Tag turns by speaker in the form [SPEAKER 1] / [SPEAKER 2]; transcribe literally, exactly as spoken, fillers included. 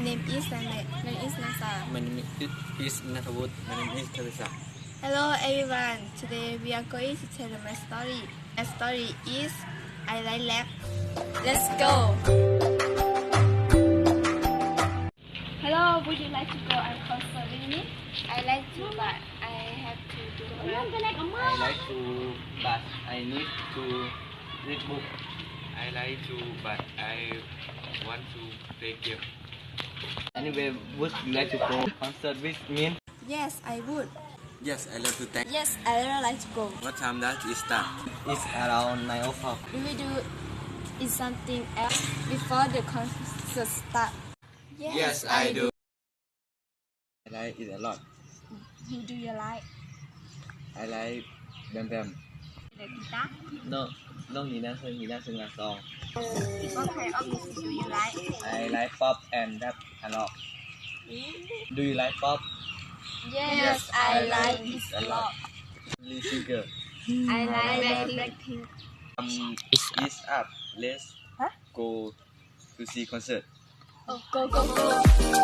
[SPEAKER 1] name is Nana. My name is Nasa.
[SPEAKER 2] My name is Nathavut. My name is Teresa.
[SPEAKER 1] Hello everyone. Today we are going to tell my story. My story is I like lab. Let's go. Hello, would you like to go on concert with me? I like to, but I have to do work.
[SPEAKER 2] I like to, but I need to read book.
[SPEAKER 3] I like to, but I want to play game.
[SPEAKER 2] Anyway, would you like to go concert with me?
[SPEAKER 1] Yes, I would.
[SPEAKER 2] Yes, I love to thank.
[SPEAKER 1] Yes, I really like to go.
[SPEAKER 2] What time does it start? It's around nine o'clock.
[SPEAKER 1] We will do is something else before the concert start.
[SPEAKER 3] Yes, I do.
[SPEAKER 2] I like it a lot.
[SPEAKER 1] Who do you like?
[SPEAKER 2] I like Bam Bam.
[SPEAKER 1] The guitar.
[SPEAKER 2] No, no, he doesn't. He doesn't like song.
[SPEAKER 1] What kind of music do you like?
[SPEAKER 2] I like pop and rap a lot. Do you like pop?
[SPEAKER 1] Yes, I like it a lot.
[SPEAKER 2] Lee Singer.
[SPEAKER 1] I like Blackpink.
[SPEAKER 2] Um, it's up. Let's
[SPEAKER 1] Huh?
[SPEAKER 2] go to see concert.
[SPEAKER 1] Oh, go, go, go.